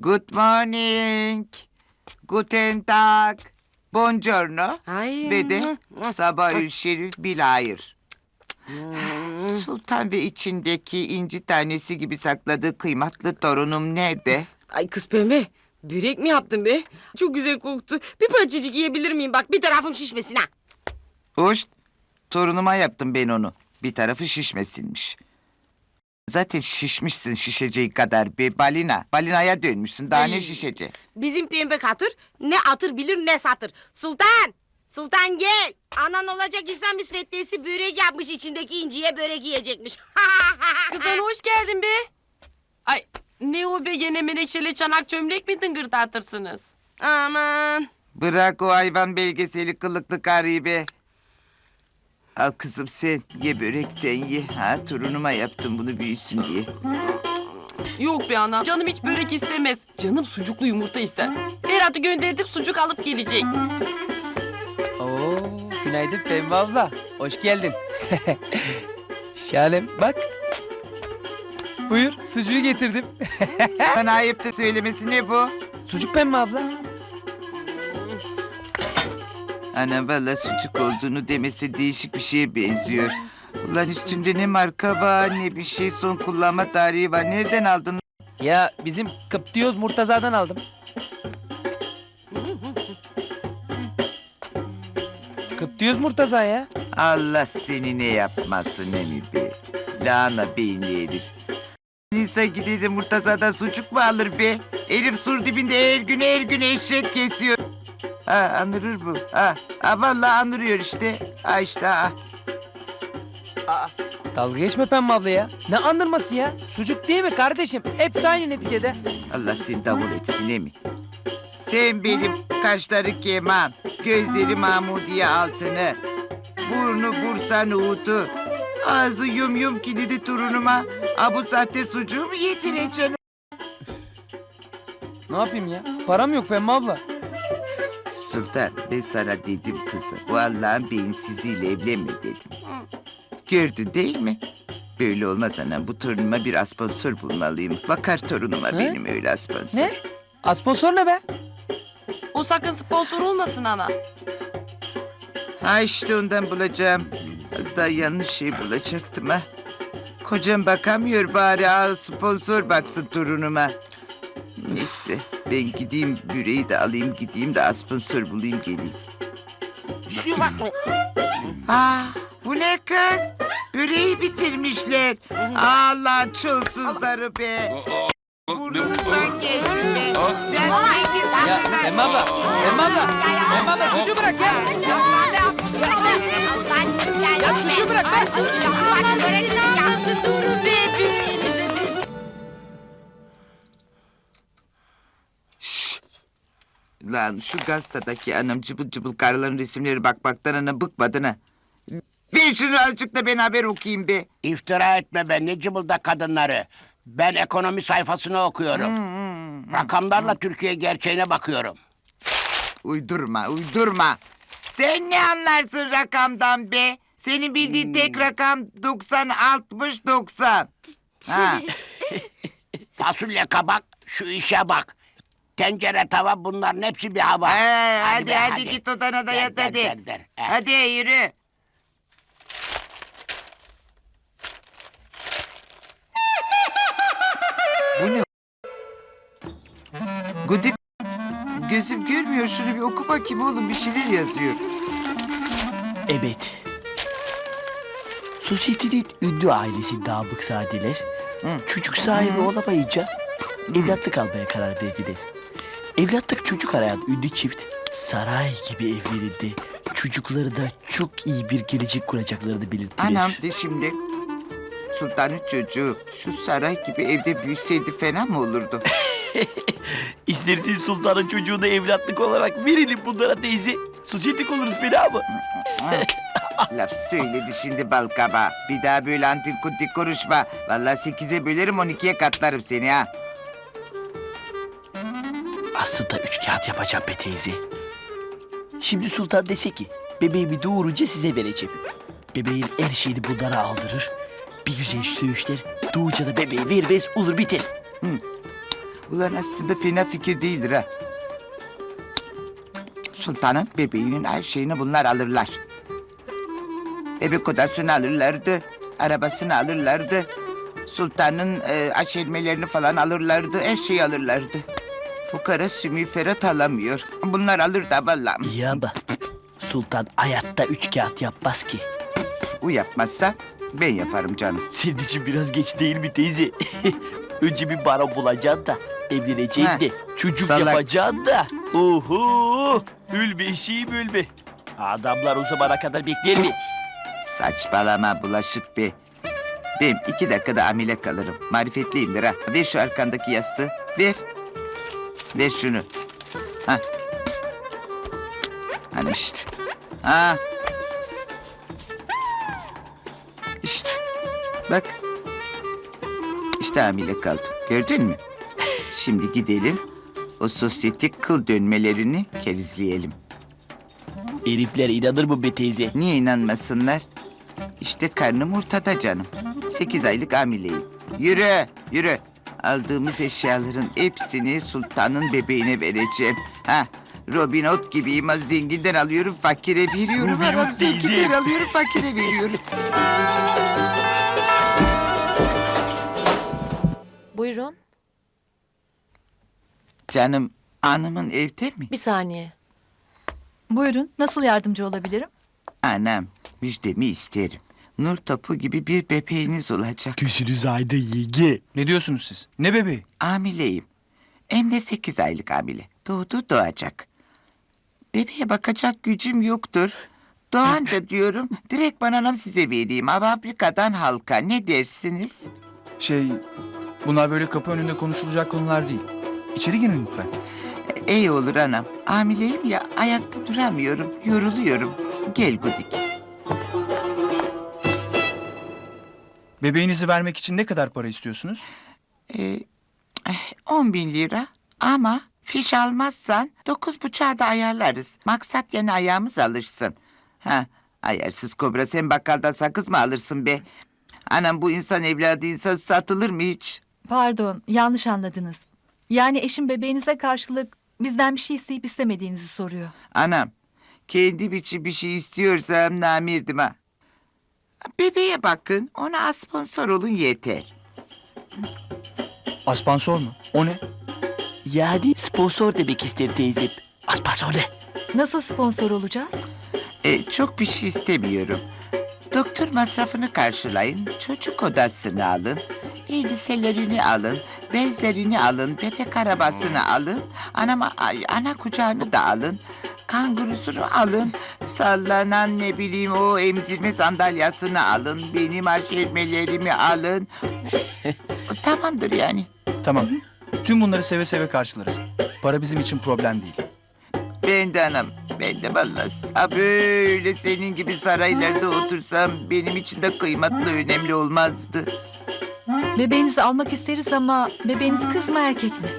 Good morning. Guten Tag. Buongiorno. Ay. Ve de sabahül şerif bilahir. Sultan ve içindeki inci tanesi gibi sakladığı kıymetli torunum nerede? Ay kız pembe. Börek mi yaptın be? Çok güzel koktu. Bir parçacık yiyebilir miyim? Bak bir tarafım şişmesin ha. Hoş. Torunuma yaptım ben onu. Bir tarafı şişmesinmiş. Zaten şişmişsin şişeceği kadar be balina. Balinaya dönmüşsün. Daha ne Ay. şişece? Bizim pembe katır ne atır bilir ne satır. Sultan! Sultan gel. Anan olacak insan müsveddesi börek yapmış, içindeki inciye börek yiyecekmiş. Kızan hoş geldin be. Ay ne o be, gene menekşeli çanak çömlek mi tıngırdatırsınız? Aman. Bırak o hayvan belgeseli kılıklı karıyı be. Al kızım sen ye börekten ye. Ha torunuma yaptım bunu büyüsün diye. Yok be ana, canım hiç börek istemez. Canım sucuklu yumurta ister. Ferhat'ı gönderdim, sucuk alıp gelecek. Oo, günaydın Pembe abla. Hoş geldin. Şahanem bak. Buyur sucuğu getirdim. Bana ayıptır söylemesi ne bu? Sucuk Pembe abla. Ana valla sucuk olduğunu demesi değişik bir şeye benziyor. Ulan üstünde ne marka var ne bir şey, son kullanma tarihi var. Nereden aldın? Ya bizim Kıptiyoz Murtaza'dan aldım. Kıptiyoz Murtaza ya. Allah seni ne yapmasın emi be. Lahana beyinli herif. İnsan gider de Murtaza'dan sucuk mu alır be? Herif sur dibinde her gün eşek kesiyor. Ha anırır bu. Ha vallahi anırıyor işte. Ha işte ha. Dalga geçme Pembe abla ya. Ne andırması ya? Sucuk değil mi kardeşim? Hepsi aynı neticede. Allah seni davul etsin emi. Sen benim kaşları keman, gözleri Mahmudiye altını, burnu Bursa nohutu, ağzı yum kilidi torunuma bu sahte sucuğu mu yedireceksin? Ne yapayım ya? Param yok Pembe abla. Sultan ben sana dedim kızım, bu Allah'ın beyinsiziyle evlenme dedim. Gördün değil mi? Böyle olmaz anam, bu torunuma bir asponsor bulmalıyım. Bakar torunuma benim öyle asponsor. Ne? Asponsor ne be? O sakın sponsor olmasın ana. Ha işte ondan bulacağım. Az daha yanlış şey bulacaktım ha. Kocam bakamıyor bari sponsor baksın torunuma. Neyse ben gideyim büreği de alayım gideyim de sponsor bulayım geleyim. Şu bak. Bu ne kız? Böreği bitirmişler. Allah çulsuzları be. Burnundan gelsin be. Can çekil. Ya Pembe abla. Pembe abla. Pembe abla sucuğu bırak ya. Ya sucuğu bırak be. Durun be, büyüğünüze be. Lan şu gazetedeki anam cıbıl cıbıl karıların resimleri bakmaktan ana bıkmadın ha. Ver şunu azıcık da ben haber okuyayım be. İftira etme be, ne cıbılda kadınları. Ben ekonomi sayfasını okuyorum. Rakamlarla Türkiye gerçeğine bakıyorum. Uydurma. Sen ne anlarsın rakamdan be? Senin bildiğin tek rakam 90, 60, 90. Ha. Fasulye kabak, şu işe bak. Tencere tava, bunların hepsi bir hava. Hadi git odana da yat hadi. Der. Hadi yürü. Bu ne? Gudik. Gözüm görmüyor, şunu bir oku bakayım oğlum, bir şeyler yazıyor. Evet. Sosyetenin ünlü ailesi Namıkzadeler çocuk sahibi olamayınca evlatlık almaya karar verdiler. Evlatlık çocuk arayan ünlü çift saray gibi evlerinde çocuklarına çok iyi bir gelecek kuracaklarını belirttiler. Anam de şimdi sultanın çocuğu şu saray gibi evde büyüseydi fena mı olurdu? İstersen sultanın çocuğunu evlatlık olarak verelim bunlara teyze. Sosyetik oluruz fena mı? Laf söyledi şimdi bal kabağı. Bir daha böyle antik kuntik konuşma. Vallahi 8'e bölerim 12'ye katlarım seni ha. Aslında 3 kağıt yapacağım be teyze. Şimdi sultan dese ki bebeğimi doğurunca size vereceğim. Bebeğin her şeyini bunlara aldırır. Bir güzel söğüşler doğunca da bebeği vermez olur biter. Ulan aslında fena fikir değildir ha. Sultanın bebeğinin her şeyini bunlar alırlar. Bebek odasını alırlardı, arabasını alırlardı. Sultanın aşermelerini falan alırlardı, her şeyi alırlardı. Fukara sümüferat alamıyor. Bunlar alır da vallahi. İyi ama sultan hayatta 3 kağıt yapmaz ki. O yapmazsa ben yaparım canım. Senin için biraz geç değil mi teyze? Önce bir baron bulacaksın da evleneceksin Ha, de çocuk salak. yapacaksın da. Oho! Ülbe eşeğim ülbe. Adamlar o zamana kadar bekler mi? Saçmalama bulaşık be. Ben 2 dakikada hamile kalırım. Marifetliyimdir ha. Ver şu arkandaki yastığı. Ver. Ver şunu. Ha. Hanım işte. Ha. İşte. Bak. İşte hamile kaldım. Gördün mü? Şimdi gidelim. O sosyetik kıl dönmelerini kerizleyelim. Herifler inanır mı be teyze? Niye inanmasınlar? İşte karnım ortada canım. 8 aylık hamileyim. Yürü, yürü. Aldığımız eşyaların hepsini sultanın bebeğine vereceğim. Ha, Robin Hood gibiyim. Az zenginden alıyorum, fakire veriyorum. Robin Hood Aram zenginden teyze. alıyorum, fakire veriyorum. Buyurun. Canım, hanımın evde mi? Bir saniye. Buyurun, nasıl yardımcı olabilirim? Anam, müjdemi isterim. Nur topu gibi bir bebeğiniz olacak. Gözünüz aydın yenge. Ne diyorsunuz siz? Ne bebeği? Hamileyim. Hem de 8 aylık hamile. Doğdu doğacak. Bebeğe bakacak gücüm yoktur. Doğanca diyorum direkt anam size vereyim. Fabrikadan halka ne dersiniz? Bunlar böyle kapı önünde konuşulacak konular değil. İçeri girin lütfen. İyi olur anam. Hamileyim ya ayakta duramıyorum. Yoruluyorum. Gel Gudik. Bebeğinizi vermek için ne kadar para istiyorsunuz? 10.000 lira ama fiş almazsan 9,5'a da ayarlarız. Maksat yeni ayağımız alırsın. Ha, ayarsız kobra sen bakkaldan sakız mı alırsın be? Anam bu insan evladı insan satılır mı hiç? Pardon, yanlış anladınız. Yani eşim bebeğinize karşılık bizden bir şey isteyip istemediğinizi soruyor. Anam kendi biçim bir şey istiyorsam namirdim ha. Bebeğe bakın ona sponsor olun yeter. Aspansor mu? O ne? Yani sponsor demek ister teyzem. Sponsor ne? Nasıl sponsor olacağız? Çok bir şey istemiyorum. Doktor masrafını karşılayın, çocuk odasını alın, elbiselerini alın, bezlerini alın, bebek arabasını alın, ana kucağını da alın, kangurusunu alın, sallanan ne bileyim o emzirme sandalyasını alın, benim aşermelerimi alın. Tamamdır yani. Tamam. Tüm bunları seve seve karşılarız. Para bizim için problem değil. Ben de anam, ben de vallahi ha böyle senin gibi saraylarda otursam benim için de kıymetli önemli olmazdı. Bebeğinizi almak isteriz ama bebeğiniz kız mı erkek mi?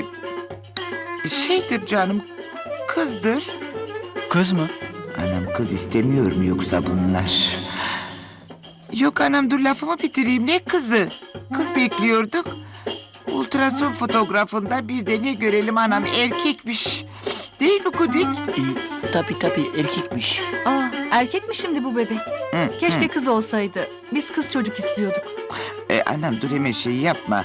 Şeydir canım, kızdır. Kız mı? Anam kız istemiyor mu yoksa bunlar? Yok anam dur lafımı bitireyim, ne kızı? Kız bekliyorduk. Ultrason fotoğrafında bir de ne görelim anam erkekmiş. Değil mi Kudik? Tabii erkekmiş. Aa, erkek mi şimdi bu bebek? Keşke kız olsaydı. Biz kız çocuk istiyorduk. Anam dur hemen şey yapma.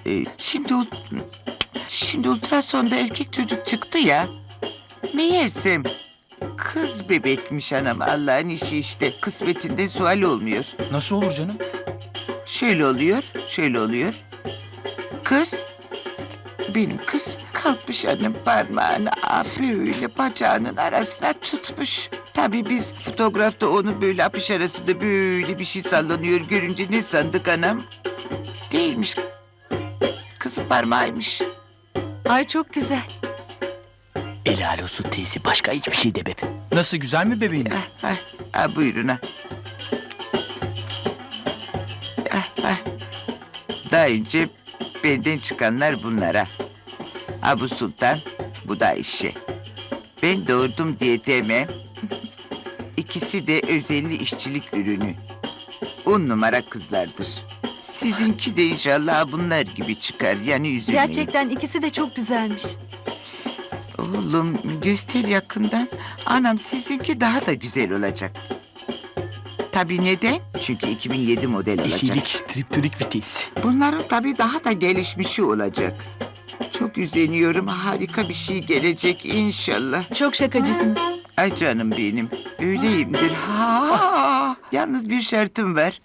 Şimdi ultrasonda erkek çocuk çıktı ya. Meğersem kız bebekmiş anam, Allah'ın işi işte. Kısmetinde sual olmuyor. Nasıl olur canım? Şöyle oluyor, şöyle oluyor. Kız, benim kız kalkmış annem parmağını böyle bacağının arasına tutmuş. Tabii biz fotoğrafta onu böyle apış arasında böyle bir şey sallanıyor görünce ne sandık anam? Değilmiş. Kızın parmağıymış. Ay çok güzel. Helal olsun teyze. Başka hiçbir şey demem. Nasıl, güzel mi bebeğiniz? Buyurun ha. Daha önce benden çıkanlar bunlara. Bu Sultan, bu da Ayşe. Ben doğurdum diye demem. İkisi de özelli işçilik ürünü. 10 numara kızlardır. Sizinki de inşallah bunlar gibi çıkar. Yani üzülmeyin. Gerçekten ikisi de çok güzelmiş. Oğlum göster yakından. Anam sizinki daha da güzel olacak. Tabii neden? Çünkü 2007 model olacak. Eşilik striptonik vites. Bunların tabii daha da gelişmişi olacak. Çok üzeniyorum. Harika bir şey gelecek inşallah. Çok şakacısınız. Ay canım benim. Öyleyimdir. Ha. Yalnız bir şartım var.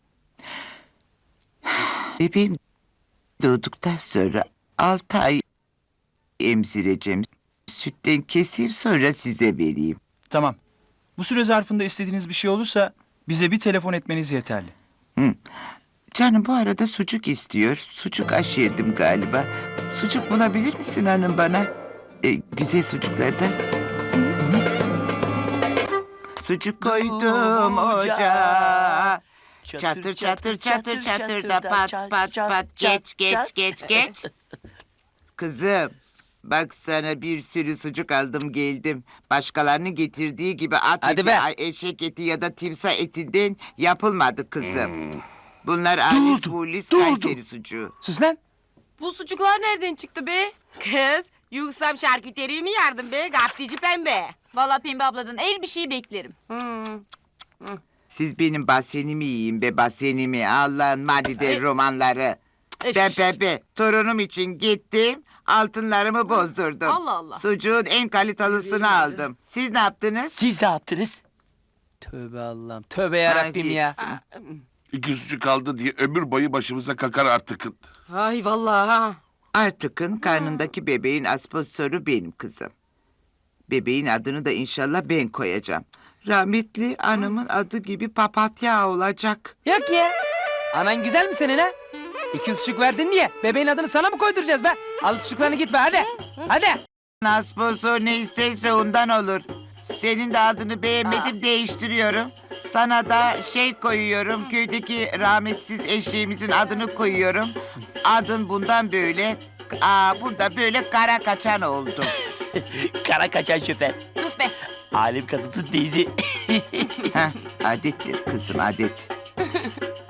Bebeğim doğduktan sonra 6 ay emzireceğim. Sütten kesir sonra size vereyim. Tamam. Bu süre zarfında istediğiniz bir şey olursa bize bir telefon etmeniz yeterli. Canım bu arada sucuk istiyor. Sucuk aşerdim galiba. Sucuk bulabilir misin hanım bana? Güzel sucuklardan. Sucuk koydum ocağa. Çatır çatır çatır çatır da pat pat pat geç. Kızım bak sana bir sürü sucuk aldım geldim. Başkalarının getirdiği gibi at Hadi eti, be. eşek eti ya da timsah etinden yapılmadı kızım. Bunlar Alis Bulis Kayseri sucuğu. Sus lan. Bu sucuklar nereden çıktı be? Kız, yuksam şarküteriyi mi yardım be? Gaftici pembe. Vallahi Pembe abladan el bir şey beklerim. Siz benim basenimi yiyin be basenimi. Allah'ın madide romanları. Ben Pepe torunum için gittim. Altınlarımı bozdurdum. Allah Allah. Sucuğun en kalitelısini aldım. Siz ne yaptınız? Siz ne yaptınız? Tövbe Allah'ım. Tövbe yarabbim ya. İki sucuk kaldı diye ömür boyu başımıza kakar artık. Ay vallahi ha. Artık'ın karnındaki bebeğin asposoru benim kızım. Bebeğin adını da inşallah ben koyacağım. Rahmetli anamın adı gibi papatya olacak. Yok ya. Anan güzel mi senin ha? 2 sucuk verdin diye bebeğin adını sana mı koyduracağız be? Al sucuklarını git be hadi. Hadi. Asposor ne isterse ondan olur. Senin de adını beğenmedim değiştiriyorum. Sana da şey koyuyorum. Köydeki rahmetsiz eşeğimizin adını koyuyorum. Adın bundan böyle. Burada böyle kara kaçan oldu. Kara kaçan şoför. Sus be. Alem kadınsın teyze. Heh, adettir kızım adet.